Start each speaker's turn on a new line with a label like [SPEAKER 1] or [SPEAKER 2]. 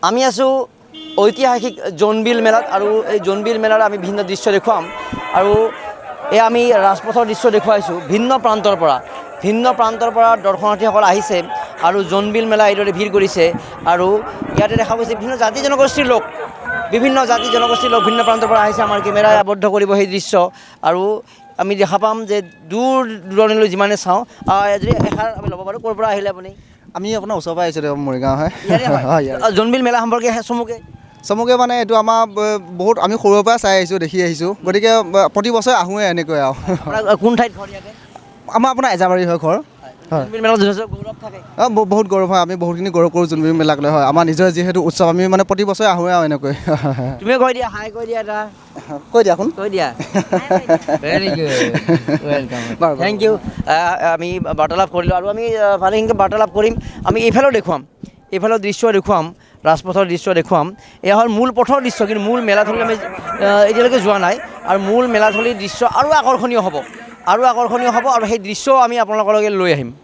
[SPEAKER 1] আমি আছোঁ ঐতিহাসিক জোনবিল মেলাত আৰু এই জোনবিল মেলাৰ আমি ভিন্ন দৃশ্য দেখুৱাম আৰু আমি ৰাজপথৰ দৃশ্য দেখুৱাইছোঁ ভিন্ন প্ৰান্তৰ পৰা দৰ্শনাৰ্থীসকল আহিছে আৰু জোনবিল মেলা এইদৰে ভিৰ কৰিছে আৰু ইয়াতে দেখা গৈছে বিভিন্ন জাতি জনগোষ্ঠীৰ লোক ভিন্ন প্ৰান্তৰ পৰা আহিছে আমাৰ কেমেৰাই আবদ্ধ কৰিব সেই দৃশ্য আৰু আমি দেখা পাম যে দূৰ দূৰণিলৈ যিমানে চাওঁ যদি এষাৰ আমি ল'ব পাৰোঁ ক'ৰ পৰা আহিলে আপুনি
[SPEAKER 2] আমি আপোনাৰ ওচৰৰ পৰা আহিছোঁ মৰিগাঁও হয়
[SPEAKER 1] জোনবিল মেলা সম্পৰ্কে
[SPEAKER 2] চমুকে মানে এইটো আমাৰ বহুত আমি সৰুৰ পৰা চাই আহিছোঁ দেখি আহিছোঁ গতিকে প্ৰতি বছৰে আহোঁৱে এনেকৈ আৰু
[SPEAKER 1] কোন ঠাইত ঘৰ ইয়াতে
[SPEAKER 2] আমাৰ আপোনাৰ এজাবাৰী হয় ঘৰ
[SPEAKER 1] জোনবিল মেলাত যথেষ্ট গৌৰৱ থাকে
[SPEAKER 2] বহুত গৌৰৱ হয় আমি বহুতখিনি গৌৰৱ কৰোঁ জোনবিল মেলাক লৈ হয় আমাৰ নিজৰ যিহেতু উৎসৱ আমি মানে প্ৰতি বছৰে আহোঁৱে আৰু এনেকৈ
[SPEAKER 1] তুমিও কৈ দিয়া হাই কৈ দিয়া এটা
[SPEAKER 2] কৈ দিয়াচোন
[SPEAKER 1] কৈ দিয়া very good welcome thank you আমি বাৰ্তালাপ কৰিলোঁ আৰু আমি ভালেখিনি বাৰ্তালাপ কৰিম আমি এইফালেও দৃশ্য দেখুৱাম ৰাজপথৰ দৃশ্য দেখুৱাম এয়া হ'ল মূল পথৰ দৃশ্য কিন্তু মূল মেলাথলী আমি এতিয়ালৈকে যোৱা নাই আৰু মূল মেলাথলীৰ দৃশ্য আৰু আকৰ্ষণীয় হ'ব আৰু সেই দৃশ্যও আমি আপোনালোকলৈকে লৈ আহিম